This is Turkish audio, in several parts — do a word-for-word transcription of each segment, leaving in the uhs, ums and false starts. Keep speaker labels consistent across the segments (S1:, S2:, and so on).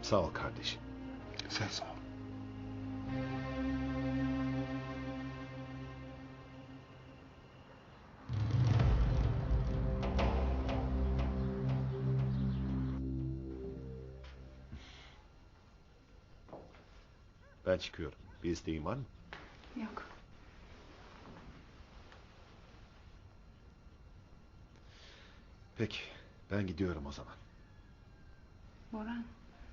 S1: Sağ ol kardeşim.
S2: Sen sağ ol.
S1: Ben çıkıyorum. Bir isteğin var mı?
S3: Yok.
S1: Peki, ben gidiyorum o zaman.
S3: Boran.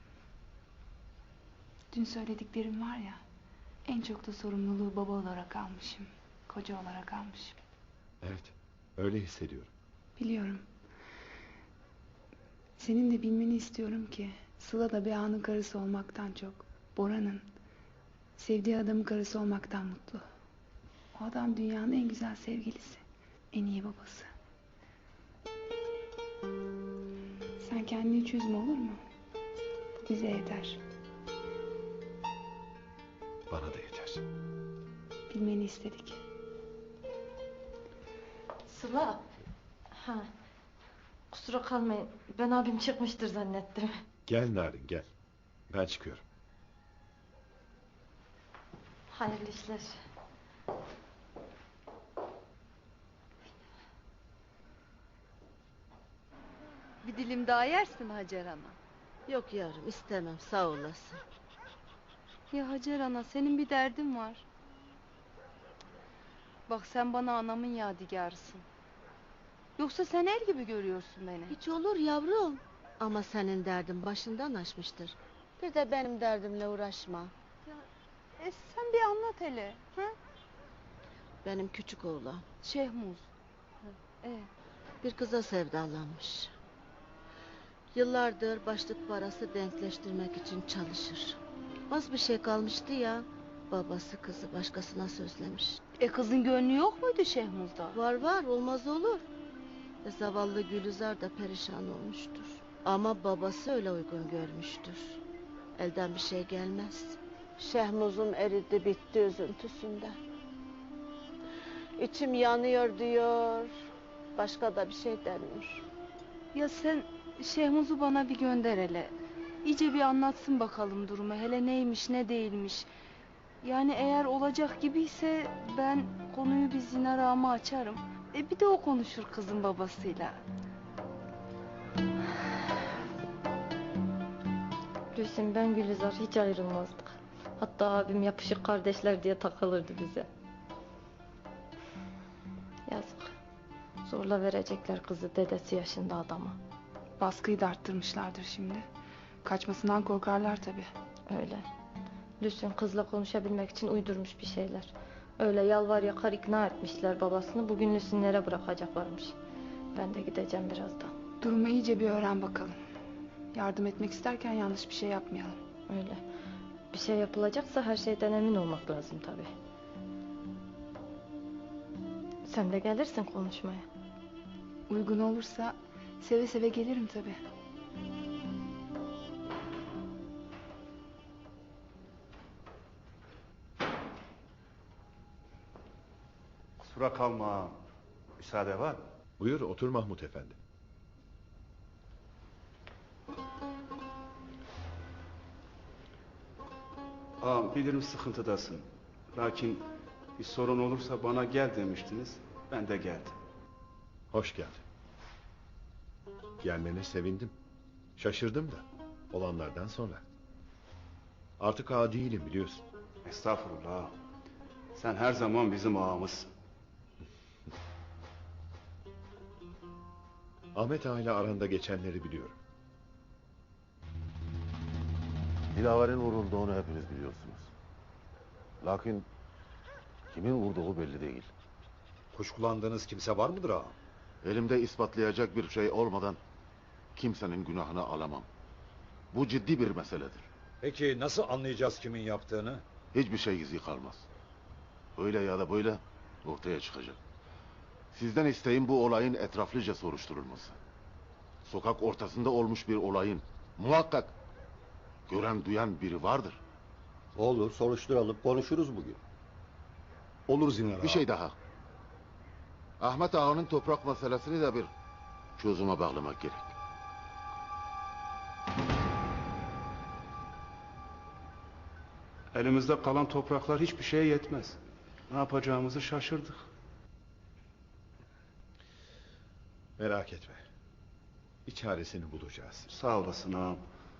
S3: Dün söylediklerim var ya, en çok da sorumluluğu baba olarak almışım. Koca olarak almışım.
S1: Evet, öyle hissediyorum.
S3: Biliyorum. Senin de bilmeni istiyorum ki Sıla da bir ağanın karısı olmaktan çok Boran'ın sevdiği adamın karısı olmaktan mutlu. O adam dünyanın en güzel sevgilisi. En iyi babası. Sen kendini hiç üzme, olur mu? Bu bize yeter.
S1: Bana da yeter.
S3: Bilmeni istedik.
S4: Sıla. Ha. Kusura kalmayın. Ben abim çıkmıştır zannettim.
S1: Gel Narin, gel. Ben çıkıyorum.
S4: Hayırlı işler.
S5: Bir dilim daha yersin Hacer ana.
S6: Yok yavrum, istemem, sağ olasın.
S5: Ya Hacer ana, senin bir derdin var. Bak, sen bana anamın yadigarısın. Yoksa sen el gibi görüyorsun beni.
S6: Hiç olur yavrum. Ama senin derdin başından aşmıştır. Bir de benim derdimle uğraşma.
S5: Ya, e, sen bir anlat hele. Ha?
S6: Benim küçük oğlan
S5: Şehmuz. E,
S6: bir kıza sevdalanmış. Yıllardır başlık parası denkleştirmek için çalışır. Az bir şey kalmıştı ya, babası kızı başkasına sözlemiş.
S5: e kızın gönlü yok muydu Şehmuz'da?
S6: Var var, olmaz olur. E, zavallı Gülizar da perişan olmuştur. Ama babası öyle uygun görmüştür. Elden bir şey gelmez. Şehmuz'um eridi bitti üzüntüsünden. İçim yanıyor diyor. Başka da bir şey demiyor.
S5: Ya sen Şehmuz'u bana bir gönder hele. İyice bir anlatsın bakalım durumu. Hele neymiş ne değilmiş. Yani eğer olacak gibiyse ben konuyu bir Zinar ağama açarım. E bir de o konuşur kızın babasıyla.
S4: Gülsüm, ben Gülizar hiç ayrılmazdık. Hatta abim yapışık kardeşler diye takılırdı bize. Yazık. Zorla verecekler kızı dedesi yaşında adama.
S3: Baskıyı da arttırmışlardır şimdi. Kaçmasından korkarlar tabii.
S4: Öyle. Lüsün kızla konuşabilmek için uydurmuş bir şeyler. Öyle yalvar yakar ikna etmişler babasını. Bugün Lüsünlere bırakacaklarmış. Ben de gideceğim birazdan.
S3: Durumu iyice bir öğren bakalım. Yardım etmek isterken yanlış bir şey yapmayalım.
S4: Öyle. Bir şey yapılacaksa her şeyden emin olmak lazım tabii. Sen de gelirsin konuşmaya.
S3: Uygun olursa seve seve gelirim tabii.
S2: Kusura kalma. Müsaade var mı?
S1: Buyur, otur Mahmut Efendi.
S2: Ağam, bilirim sıkıntıdasın. Lakin bir sorun olursa bana gel demiştiniz. Ben de geldim.
S1: Hoş geldin. Gelmene sevindim. Şaşırdım da. Olanlardan sonra. Artık ağa değilim, biliyorsun.
S2: Estağfurullah ağam. Sen her zaman bizim ağamızsın.
S1: Ahmet Ağa ile aranda geçenleri biliyorum.
S7: Dilaver'in vurulduğunu hepiniz biliyorsunuz. Lakin kimin vurduğu belli değil.
S8: Kuşkulandığınız kimse var mıdır ağam?
S7: Elimde ispatlayacak bir şey olmadan kimsenin günahını alamam. Bu ciddi bir meseledir.
S8: Peki nasıl anlayacağız kimin yaptığını?
S7: Hiçbir şey gizli kalmaz. Öyle ya da böyle ortaya çıkacak. Sizden isteğim bu olayın etraflıca soruşturulması. Sokak ortasında olmuş bir olayın muhakkak gören duyan biri vardır.
S8: Olur, soruşturalım, konuşuruz bugün. Olur Zinar ağam.
S7: Bir şey daha. Ahmet Ağa'nın toprak meselesini de bir çözüme bağlamak gerek.
S2: Elimizde kalan topraklar hiçbir şeye yetmez. Ne yapacağımızı şaşırdık.
S1: Merak etme. Bir çaresini bulacağız.
S2: Sağ olasın ağam.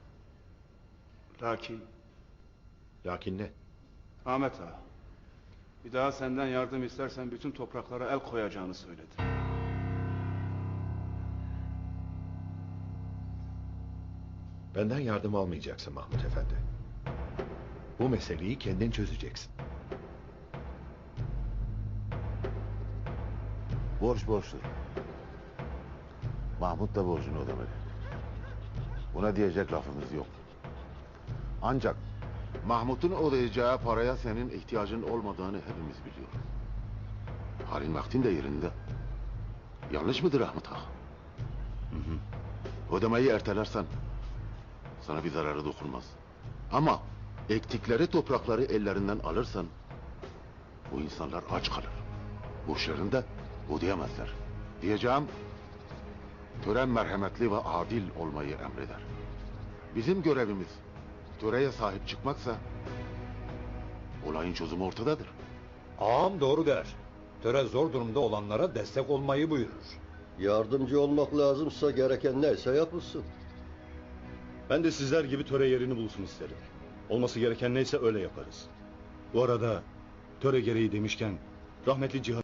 S2: Lakin
S1: Lakin ne?
S2: Ahmet ağa, bir daha senden yardım istersen bütün topraklara el koyacağını söyledi.
S1: Benden yardım almayacaksın Mahmut Efendi. Bu meseleyi kendin çözeceksin.
S7: Borç borçtur. Mahmut da borcunu ödemeli. Buna diyecek lafımız yok. Ancak Mahmut'un ödeyeceği paraya senin ihtiyacın olmadığını hepimiz biliyoruz. Halin vaktin de yerinde. Yanlış mıdır Ahmet Ağa? Hı hı. Ödemeyi ertelersen sana bir zararı dokunmaz. Ama ektikleri toprakları ellerinden alırsan bu insanlar aç kalır. Borçlarını da ödeyemezler. Diyeceğim, tören merhametli ve adil olmayı emreder. Bizim görevimiz töreye sahip çıkmaksa olayın çözümü ortadadır.
S9: Ağam doğru der. Töre zor durumda olanlara destek olmayı buyurur.
S8: Yardımcı olmak lazımsa gereken neyse yapılsın.
S10: Ben de sizler gibi töre yerini bulsun isterim. Olması gereken neyse öyle yaparız. Bu arada töre gereği demişken rahmetli Cihan